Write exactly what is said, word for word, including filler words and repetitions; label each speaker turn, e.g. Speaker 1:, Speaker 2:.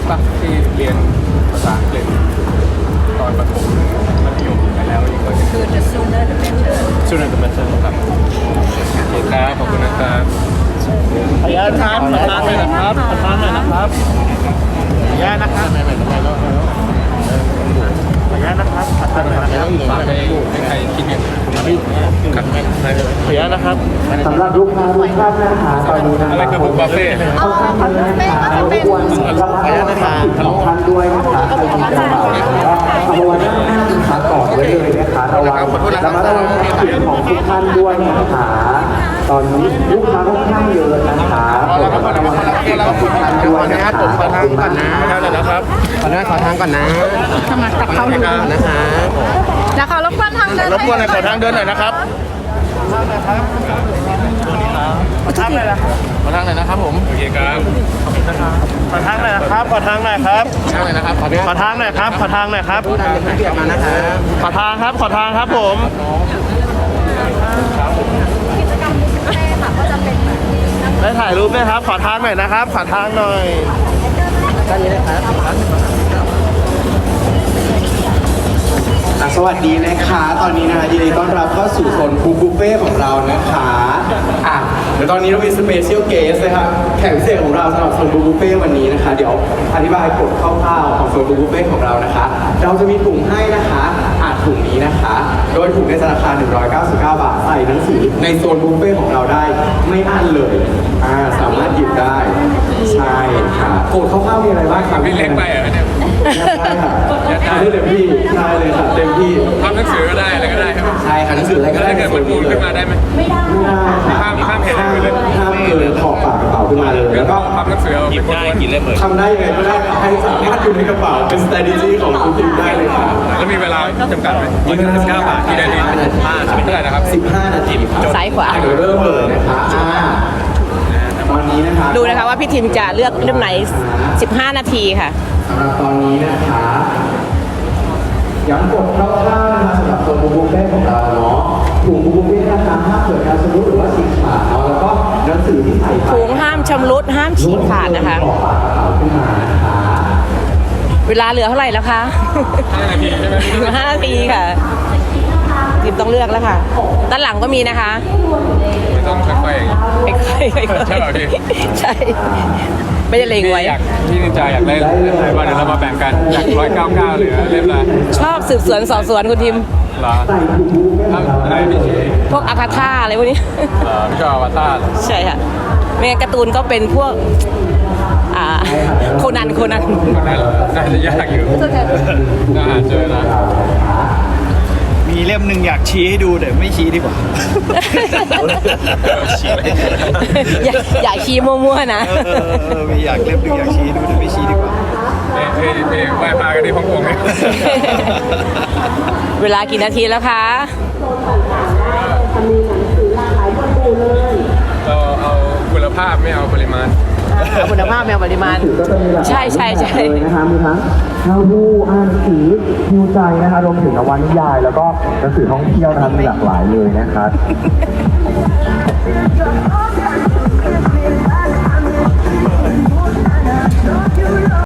Speaker 1: ปะที่เรียนภาษาอังกฤษตอนประถมมัธยมไปแล้วอีกคนคือ the sooner the better sooner the better ครับโอเคครับขอบคุณนะครับ
Speaker 2: ขออนุญาตครับขอทางหน่อยนะครับขอทางหน่อยนะครับขออนุญาตนะครับไม่ไม่ไม่ไม่ขออนุญาตนะครับขอทางหน่อยนะครับ
Speaker 1: ฝากให้ให้ใครคิดเนี่ยครับ
Speaker 2: ขออนุญาตนะครับ
Speaker 3: สำหรับลูกค้าทุกท่านนะคะตอนนี้นะ
Speaker 1: อะไรคือบุฟเฟ่ต์
Speaker 3: เข้าข้างกันเลยนะคะรบกวนรับประทานอาหารของท่านด้วยนะคะใครมีกระเป๋านะคะเอาไว้ด้านหน้านะคะกอดไว้เลยนะคะระวังระมัดระวังทรัพย์สินของทุกท่านด้วยนะคะตอนนี้ลูกค้าค่อนข้างเยอะนะคะระมัดระวังทรัพย์สินของทุกท่านด้วยนะคะขอบคุณมากนะ
Speaker 2: ขอทางหน่อยนะครับ
Speaker 3: ขออนุญาตขอทางก่อนนะ
Speaker 4: ทำมากับเขาอยู่
Speaker 3: นะคะ
Speaker 4: แล้วเขารบกวนทางเดิน
Speaker 2: รบกวนหน่อยขอทางเดินหน่อยนะครับขอทางหน่อยนะครับขอทางหน่อยนะครับผม
Speaker 1: โอเคครับ
Speaker 2: ขอทางหน่อยนะครับขอทางหน่อยครับ
Speaker 1: ช่างเลยนะครับขอ
Speaker 2: ขอทางหน่อยครับขอทางหน่อยครับ
Speaker 3: ผู้นำเป็นเบียดมานะคะ
Speaker 2: ขอทางครับขอทางครับผม
Speaker 4: กิจกรรมบุฟเฟ่ต์ค่ะก็จะเป็นแบบนี้นะคะ
Speaker 2: ได้ถ่ายรูปไหมครับขอทางหน่อยนะครับขอทางหน่อย
Speaker 3: ด้านนี้นะครับสวัสดีนะคะ ตอนนี้นะคะยินดีต้อนรับเข้าสู่โซนฟู้ดบุฟเฟ่ของเรานะคะอ่ะเดี๋ยวตอนนี้เรามีสเปเชียลเกสนะครับแขกพิเศษของเราสำหรับโซนฟู้ดบุฟเฟ่วันนี้นะคะ เดี๋ยวอธิบายกฎคร่าวๆของโซนฟู้ดบุฟเฟ่ของเรานะคะ เราจะมีถุงให้นะคะอ่ะถุงนี้นะคะ โดยถุงในราคาหนึ่งร้อยเก้าสิบเก้าบาทใส่หนังสือในโซนบุฟเฟ่ของเราได้ไม่อั้นเลยอ่าสามารถหยิบได้ใช่ค่ะกฎคร่าวๆมีอะไรบ้างครับ
Speaker 1: พี่เล็กไปเหรอเนี่ย
Speaker 3: ได้ค่ะได้เต็มที่ได้เลยค่ะเต็มที่
Speaker 1: ทำหนังสือก็ได้อะไรก็ได้ครับ
Speaker 3: ใช่ค่ะหนังสืออะไรก็
Speaker 1: แล้ว
Speaker 3: ได้
Speaker 1: ถ้าเกิดมันพูดขึ้นมาได้ไหม
Speaker 3: ไม่ได้ค่ะ
Speaker 1: ห้ามห้ามเห็น
Speaker 3: ห้าม
Speaker 1: เลย
Speaker 3: ห้ามเกินขอบปากกระเป๋าขึ้นมาเลยแล้วก็
Speaker 1: ทำหนังสือเอาเป็นได้กี่เล่มเลย
Speaker 3: ทำได้ยังไงก็ได้ให้สามารถอยู่ในกระเป๋าเป็น strategy ของคุณทีมได้เลยค่ะ
Speaker 1: แล้วมีเวลาจำกัดไหมยี่สิบเก้าบาทที่ได้ดีห้าใช่ไหมเท่าไหร่นะครับ
Speaker 3: สิบห้านาทีครับ
Speaker 4: ซ้ายขวา
Speaker 3: เดี๋ยวเริ่มเลยนะคะอ่าตอนนี้นะคะ
Speaker 4: ดูนะคะว่าพี่ทิมจะเลือกเล่มไหน สิบห้า นาทีค่ะ
Speaker 3: สำหรับตอนนี้นะคะย้ำกฎคร่าวๆนะคะสำหรับตัวบุฟเฟ่ของเราเนาะถุงบุฟเฟ่นะคะห้ามเกิดการสมมุติหรือว่าฉีกขาดเนาะแล้วก็หนังสือที่ใส่ไป
Speaker 4: ถุงห้ามชำรุดห้ามฉีกขาดนะคะ
Speaker 3: ขอบปากกระเป๋าขึ้นมานะคะ
Speaker 4: เวลาเหลือเท่าไหร่แล้วคะ
Speaker 1: ห้านาทีใช่ไหม
Speaker 4: ห้านาทีค่ะทิมต้องเลือกแล้วค่ะ ด้านหลังก็มีนะคะ
Speaker 1: ไม่ต้องค่อยๆอย่างนี้
Speaker 4: ไม่ค่อยไม่ค่อย
Speaker 1: ใช่เหรอพี่
Speaker 4: ใช่ ไม่ได้เล็งไว้
Speaker 1: อยากพี่นินจาอยากได้เล่มไหนบ้างเดี๋ยวเรามาแบ่งกันอยากร้อยเก้าเก้าหรือเล่มละ
Speaker 4: ชอบสืบสวนสอบสวนคุณทิม
Speaker 1: เหรอทำอะไรพี่ชี
Speaker 4: พวกอาคาธาอะไรพวกนี้
Speaker 1: เหรอพี่ชอบอวตาร
Speaker 4: ใช่ค่ะไม่งั้นการ์ตูนก็เป็นพวก อ่า โคนัน โคนัน
Speaker 1: คนนั้นน่าจะยากอยู่น่าหาเจอนะ
Speaker 2: มีเล่มหนึ่งอยากชี้ให้ดูแต่ไม่ชี้ดีกว่า
Speaker 4: อย่าอย่าขี้มั่วๆนะ
Speaker 2: เออเออเออมีอยากเล่มหนึ่งอยากชี้ดูแต่ไม่ชี้ดีกว่า
Speaker 1: เฮ้ยเฮ้ยไหว้พากันที่ฮ่องกงเนี่ย
Speaker 4: เวลากี่นาทีแล้วคะ
Speaker 1: เราเอาคุณภาพไม่เอาปริมาณ
Speaker 4: เอาคุณภาพแมวปริมาณ
Speaker 3: ก็จะมีหลากหลาย
Speaker 4: ใช่ใช่ใช่
Speaker 3: เลยนะคะมีทั้งข้าวผู้อ่านหนังสือฮิวใจนะคะรวมถึงนวนิยาย แล้วก็หนังสือท่องเที่ยวนะคะมีหลากหลายเลยนะคะ